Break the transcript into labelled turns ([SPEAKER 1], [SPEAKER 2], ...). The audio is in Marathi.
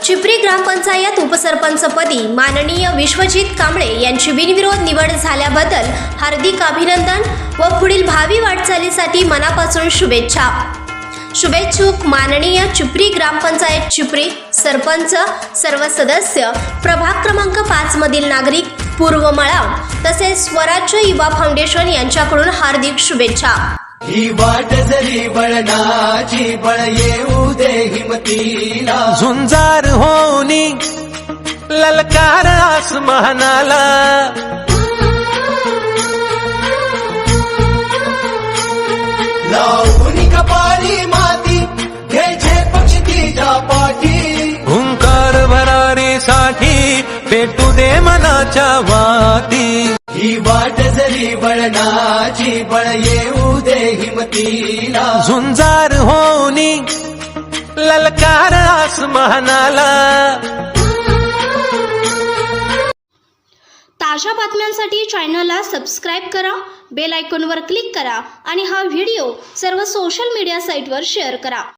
[SPEAKER 1] चिपरी ग्रामपंचायत उपसरपंचपदी माननीय विश्वजित कांबळे यांची बिनविरोध निवड झाल्याबद्दल हार्दिक अभिनंदन व पुढील भावी वाटचालीसाठी मनापासून शुभेच्छा। शुभेच्छुक माननीय चिपरी ग्रामपंचायत चिपरी सरपंच, सर्व सदस्य, प्रभाग क्रमांक 5 मधील नागरिक, पूर्व मळाव तसेच स्वराज्य युवा फाउंडेशन यांच्याकडून हार्दिक शुभेच्छा।
[SPEAKER 2] ही वाट जरी बळणाची बळ येऊ दे हिमतीला,
[SPEAKER 3] झुंजार होनी ललकार आसमानाला,
[SPEAKER 2] लावून कपाळी माती घ्यायचे पक्षी तिच्या पाठी,
[SPEAKER 3] हुंकार भरारीसाठी पेटू दे मनाच्या वाती।
[SPEAKER 2] ही वाट जरी बळणाची बळ येऊ दे हिमतीला,
[SPEAKER 3] झुंजार होनी ललकार आसमानाला।
[SPEAKER 1] ताज्या बातम्यांसाठी चॅनलला सबस्क्राइब करा, बेल आयकॉनवर क्लिक करा आणि हा व्हिडिओ सर्व सोशल मीडिया साइटवर शेअर करा।